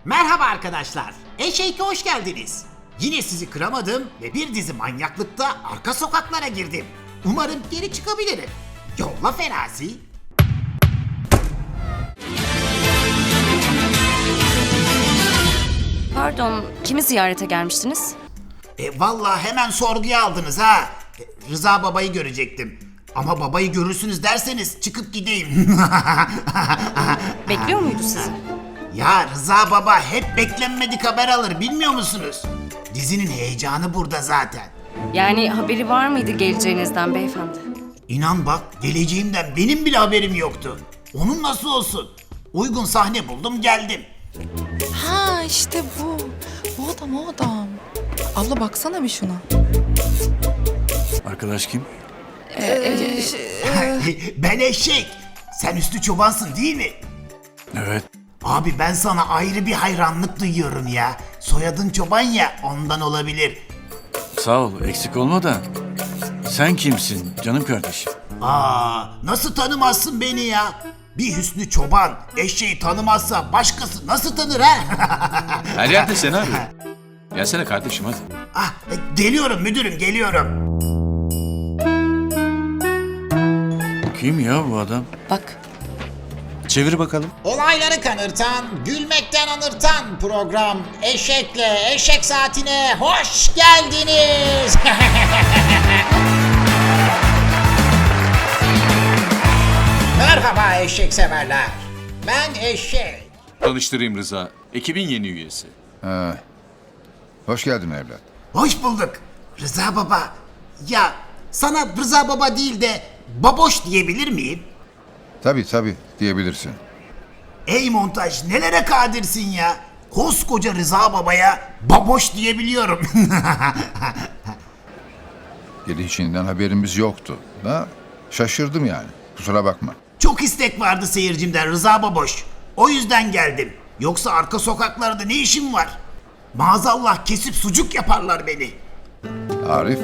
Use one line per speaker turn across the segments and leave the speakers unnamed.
Merhaba arkadaşlar. Eşeğe hoş geldiniz. Yine sizi kıramadım ve bir dizi manyaklıkta arka sokaklara girdim. Umarım geri çıkabilirim. Yolla Ferazi.
Pardon, kimi ziyarete gelmiştiniz?
Vallahi hemen sorguya aldınız ha. Rıza babayı görecektim. Ama babayı görürsünüz derseniz çıkıp gideyim.
Bekliyor muydu sizi?
Ya Rıza baba hep beklenmedik haber alır bilmiyor musunuz? Dizinin heyecanı burada zaten.
Yani haberi var mıydı geleceğinizden beyefendi?
İnan bak geleceğimden benim bile haberim yoktu. Onun nasıl olsun? Uygun sahne buldum geldim.
Ha işte bu. Bu adam o adam. Abla baksana bir şuna.
Arkadaş kim?
Ben eşek. Sen Üstü Çobansın değil mi?
Evet.
Abi ben sana ayrı bir hayranlık duyuyorum ya. Soyadın Çoban ya ondan olabilir.
Sağ ol, eksik olma da. Sen kimsin canım kardeşim?
Nasıl tanımazsın beni ya? Bir Hüsnü Çoban eşeği tanımazsa başkası nasıl tanır ha?
Her yerde seni arıyor. Gelsene kardeşim hadi.
Geliyorum müdürüm geliyorum.
Kim ya bu adam?
Bak.
Çevir bakalım.
Olayları kanırtan, gülmekten anırtan program Eşek'le Eşek Saati'ne hoş geldiniz. Merhaba eşek severler. Ben Eşek.
Tanıştırayım Rıza. Ekibin yeni üyesi.
Hoş geldin evlat.
Hoş bulduk. Rıza Baba. Ya sana Rıza Baba değil de Baboş diyebilir miyim?
Tabii diyebilirsin.
Ey montaj nelere kadirsin ya. Koskoca Rıza Baba'ya Baboş diyebiliyorum.
Gelişinden haberimiz yoktu. Da şaşırdım yani. Kusura bakma.
Çok istek vardı seyircimden Rıza Baboş. O yüzden geldim. Yoksa arka sokaklarda ne işim var? Maazallah kesip sucuk yaparlar beni.
Arif,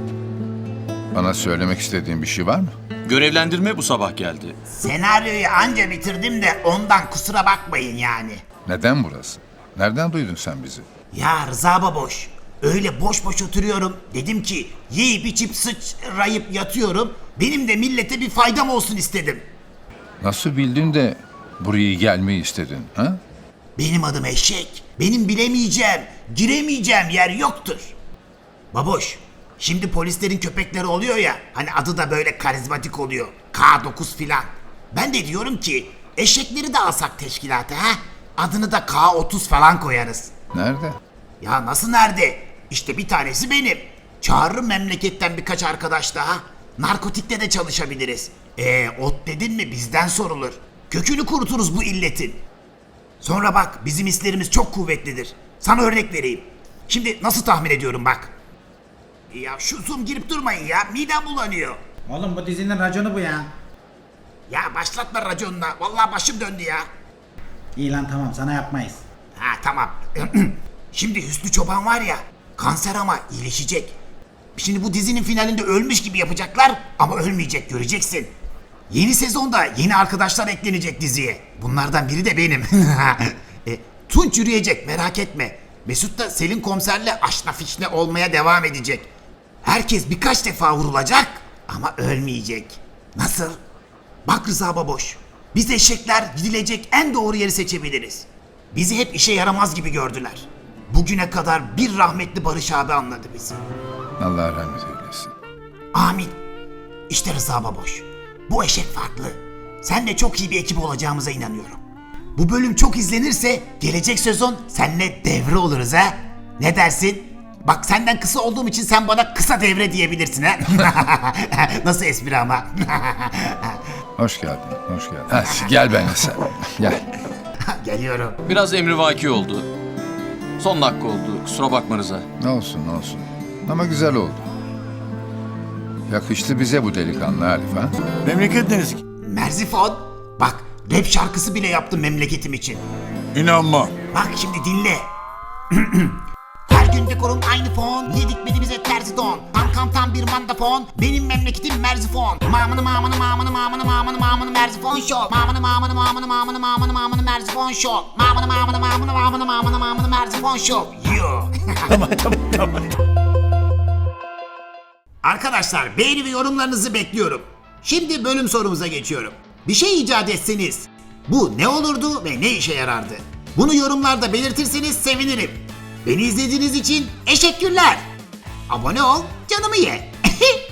bana söylemek istediğin bir şey var mı?
Görevlendirme bu sabah geldi.
Senaryoyu anca bitirdim de ondan kusura bakmayın yani.
Neden burası? Nereden duydun sen bizi?
Ya Rıza Baboş, öyle boş boş oturuyorum. Dedim ki yiyip içip sıçrayıp yatıyorum. Benim de millete bir faydam olsun istedim.
Nasıl bildin de buraya gelmeyi istedin, ha?
Benim adım Eşek. Benim bilemeyeceğim, giremeyeceğim yer yoktur. Baboş, şimdi polislerin köpekleri oluyor ya, hani adı da böyle karizmatik oluyor. K9 filan. Ben de diyorum ki eşekleri de alsak teşkilata ha? Adını da K30 falan koyarız.
Nerede?
Ya nasıl nerede? İşte bir tanesi benim. Çağırırım memleketten birkaç arkadaş daha. Narkotikte de çalışabiliriz. Ot dedin mi bizden sorulur. Kökünü kuruturuz bu illetin. Sonra bak bizim hislerimiz çok kuvvetlidir. Sana örnek vereyim. Şimdi nasıl tahmin ediyorum bak. Ya şu zoom girip durmayın ya. Midem bulanıyor.
Oğlum bu dizinin raconu bu ya.
Ya başlatma raconuna. Vallahi başım döndü ya.
İyi lan tamam sana yapmayız.
Ha tamam. Şimdi Hüsnü Çoban var ya kanser ama iyileşecek. Şimdi bu dizinin finalinde ölmüş gibi yapacaklar ama ölmeyecek göreceksin. Yeni sezonda yeni arkadaşlar eklenecek diziye. Bunlardan biri de benim. Tunç yürüyecek merak etme. Mesut da Selin komiserle aşna fişne olmaya devam edecek. Herkes birkaç defa vurulacak ama ölmeyecek. Nasıl? Bak Rıza Baboş. Biz eşekler gidilecek en doğru yeri seçebiliriz. Bizi hep işe yaramaz gibi gördüler. Bugüne kadar bir rahmetli Barış abi anladı bizi.
Allah rahmet eylesin.
Amin. İşte Rıza Baboş. Bu eşek farklı. Senle çok iyi bir ekip olacağımıza inanıyorum. Bu bölüm çok izlenirse gelecek sezon senle devre oluruz ha. Ne dersin? Bak senden kısa olduğum için sen bana kısa devre diyebilirsin ha. Nasıl espri ama?
Hoş geldin. Hadi gel benimle sen. Gel.
Geliyorum.
Biraz emrivaki oldu. Son dakika oldu. Kusura bakma Rıza.
Ne olsun. Ama güzel oldu. Yakıştı bize bu delikanlı Arif, ha?
Memleket neresi?
Merzifon. Bak rap şarkısı bile yaptım memleketim için.
İnanmam.
Bak şimdi dinle. Her gün dekorum aynı fon. Niye dikmedi bize terzi don? Tam Arkamdan bir mandafon, benim memleketim Merzifon. Mamını mamını mamını mamını mamını mamını Merzifon Show. Mamını mamını mamını mamını mamını mamını Merzifon Show. Mamını mamını mamını mamını mamını mamını Merzifon Show. Yo.
Tamam.
Arkadaşlar beğeni ve yorumlarınızı bekliyorum. Şimdi bölüm sorumuza geçiyorum. Bir şey icat etseniz bu ne olurdu ve ne işe yarardı? Bunu yorumlarda belirtirseniz sevinirim. Beni izlediğiniz için teşekkürler. Abone ol, canımı ye.